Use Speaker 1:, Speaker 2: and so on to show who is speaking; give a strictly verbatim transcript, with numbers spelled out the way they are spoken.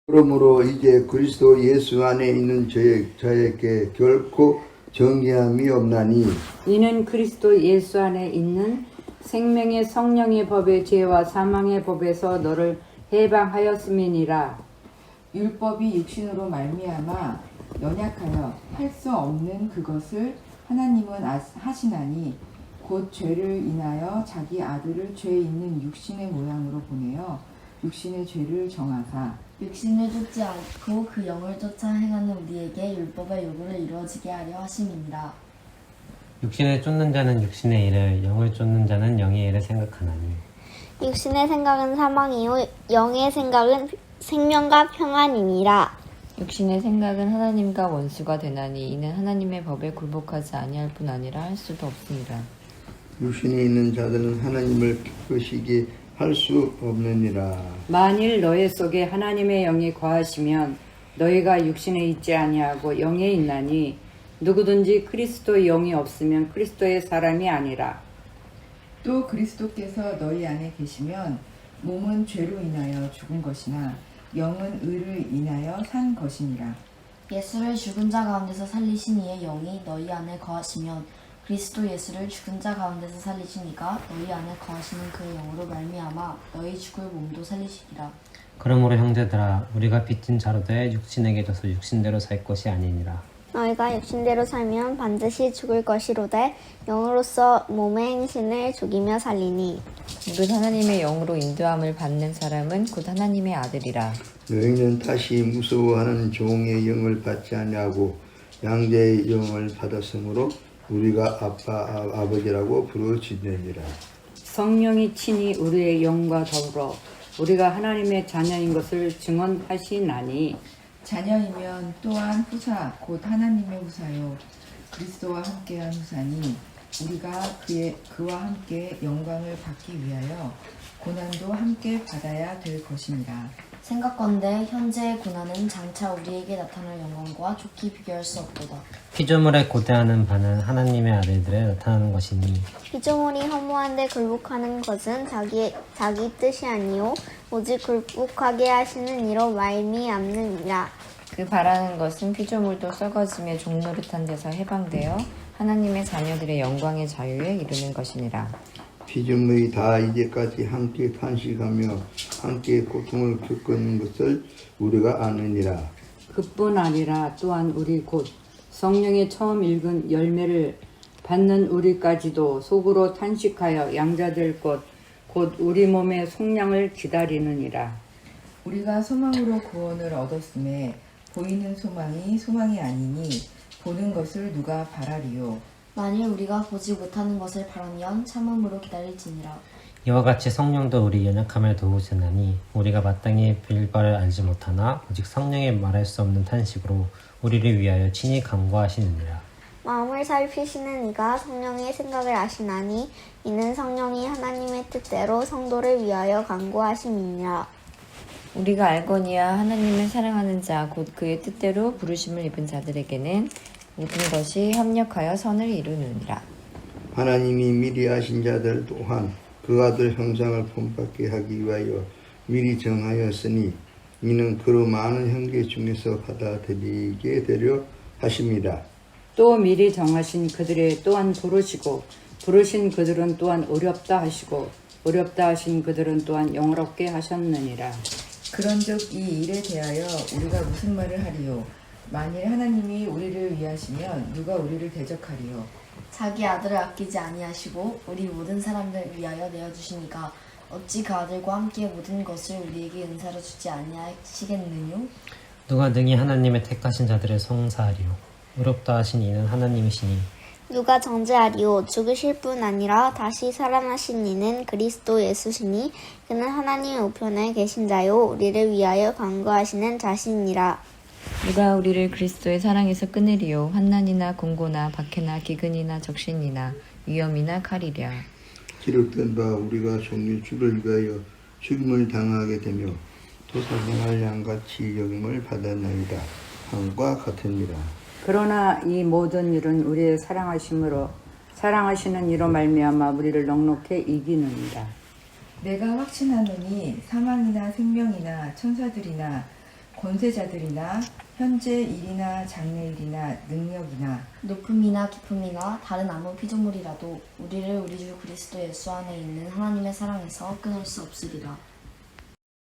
Speaker 1: 그러므로 이제 그리스도 예수 안에 있는 저에, 저에게 결코 정죄함이 없나니
Speaker 2: 이는 그리스도 예수 안에 있는 생명의 성령의 법의 죄와 사망의 법에서 너를 해방하였음이니라.
Speaker 3: 율법이 육신으로 말미암아 연약하여 할 수 없는 그것을 하나님은 아- 하시나니 곧 죄를 인하여 자기 아들을 죄 있는 육신의 모양으로 보내어 육신의 죄를 정하사
Speaker 4: 육신을 쫓지 않고 그 영을 쫓아 행하는 우리에게 율법의 요구를 이루어지게 하려 하심이니라.
Speaker 5: 육신을 쫓는 자는 육신의 일을, 영을 쫓는 자는 영의 일을 생각하나니
Speaker 6: 육신의 생각은 사망이요 영의 생각은 생명과 평안이니라.
Speaker 7: 육신의 생각은 하나님과 원수가 되나니 이는 하나님의 법에 굴복하지 아니할 뿐 아니라 할 수도 없습니다.
Speaker 1: 육신에 있는 자들은 하나님을 기쁘시게 할 수 없느니라.
Speaker 2: 만일 너희 속에 하나님의 영이 거하시면 너희가 육신에 있지 아니하고 영에 있나니 누구든지 그리스도의 영이 없으면 그리스도의 사람이 아니라.
Speaker 3: 또 그리스도께서 너희 안에 계시면 몸은 죄로 인하여 죽은 것이나 영은 의를 인하여 산 것이니라.
Speaker 4: 예수를 죽은 자 가운데서 살리신 이의 영이 너희 안에 거하시면 그리스도 예수를 죽은 자 가운데서 살리신 이가 너희 안에 거하시는 그 영으로 말미암아 너희 죽을 몸도 살리시리라.
Speaker 5: 그러므로 형제들아 우리가 빚진 자로 돼 육신에게 져서 육신대로 살 것이 아니니라.
Speaker 6: 너희가 육신대로 살면 반드시 죽을 것이로되 영으로서 몸의 행신을 죽이며 살리니
Speaker 7: 무릇 하나님의 영으로 인도함을 받는 사람은 곧 하나님의 아들이라.
Speaker 1: 너희는 다시 무서워하는 종의 영을 받지 아니하고 양자의 영을 받았으므로 우리가 아빠 아, 아버지라고 부르짖느니라.
Speaker 2: 성령이 친히 우리의 영과 더불어 우리가 하나님의 자녀인 것을 증언하시나니
Speaker 3: 자녀이면 또한 후사 곧 하나님의 후사요 그리스도와 함께한 후사니 우리가 그의 그와 함께 영광을 받기 위하여 고난도 함께 받아야 될 것입니다.
Speaker 4: 생각건대 현재의 고난은 장차 우리에게 나타날 영광과 좋게 비교할 수 없도다.
Speaker 5: 피조물에 고대하는 바는 하나님의 아들들에 나타나는 것이니
Speaker 6: 피조물이 허무한데 굴복하는 것은 자기 자기 뜻이 아니요 오직 굴복하게 하시는 이로 말미암느니라.
Speaker 7: 그 바라는 것은 피조물도 썩어지며 종노릇한 데서 해방되어 하나님의 자녀들의 영광의 자유에 이르는 것이니라.
Speaker 1: 피조물이 다 이제까지 함께 탄식하며 함께 고통을 겪은 것을 우리가 아느니라.
Speaker 2: 그뿐 아니라 또한 우리 곧 성령의 처음 읽은 열매를 받는 우리까지도 속으로 탄식하여 양자될 것 곧 우리 몸의 속량을 기다리느니라.
Speaker 3: 우리가 소망으로 구원을 얻었음에 보이는 소망이 소망이 아니니 보는 것을 누가 바라리요.
Speaker 4: 만일 우리가 보지 못하는 것을 바라면 참음으로 기다릴지니라.
Speaker 5: 이와 같이 성령도 우리 연약함을 도우시나니 우리가 마땅히 빌 바를 알지 못하나 오직 성령의 말할 수 없는 탄식으로 우리를 위하여 친히 간구하시느니라.
Speaker 6: 마음을 살피시는 이가 성령의 생각을 아시나니 이는 성령이 하나님의 뜻대로 성도를 위하여 간구하심이니라.
Speaker 7: 우리가 알거니와 하나님을 사랑하는 자 곧 그의 뜻대로 부르심을 입은 자들에게는 모든 것이 협력하여 선을 이루느니라.
Speaker 1: 하나님이 미리 아신 자들 또한 그 아들 형상을 본받게 하기 위하여 미리 정하였으니 이는 그로 많은 형제 중에서 받아들이게 되려 하심이라.
Speaker 2: 또 미리 정하신 그들의 또한 부르시고 부르신 그들은 또한 어렵다 하시고 어렵다 하신 그들은 또한 영어롭게 하셨느니라.
Speaker 3: 그런즉 이 일에 대하여 우리가 무슨 말을 하리요? 만일 하나님이 우리를 위하시면 누가 우리를 대적하리요?
Speaker 4: 자기 아들을 아끼지 아니하시고 우리 모든 사람들 위하여 내어주시니까 어찌 그 아들과 함께 모든 것을 우리에게 은사로 주지 아니하시겠느뇨?
Speaker 5: 누가 능히 하나님의 택하신 자들을 송사하리요. 의롭다 하신 이는 하나님이시니
Speaker 6: 누가 정죄하리오. 죽으실 뿐 아니라 다시 살아나신 이는 그리스도 예수시니 그는 하나님의 우편에 계신 자요 우리를 위하여 간구하시는 자신이라.
Speaker 7: 누가 우리를 그리스도의 사랑에서 끊으리요. 환난이나 공고나 박해나 기근이나 적신이나 위험이나 칼이랴.
Speaker 1: 기록된 바 우리가 종류 주를 위하여 죽임을 당하게 되며 도사생활 양같이 여김을 받았나이다 함과 같으니라.
Speaker 2: 그러나 이 모든 일은 우리의 사랑하심으로 사랑하시는 이로 말미암아 우리를 넉넉히 이기느니라.
Speaker 3: 내가 확신하노니 사망이나 생명이나 천사들이나 권세자들이나 현재 일이나 장래일이나 능력이나
Speaker 4: 높음이나 깊음이나 다른 아무 피조물이라도 우리를 우리 주 그리스도 예수 안에 있는 하나님의 사랑에서 끊을 수 없으리라.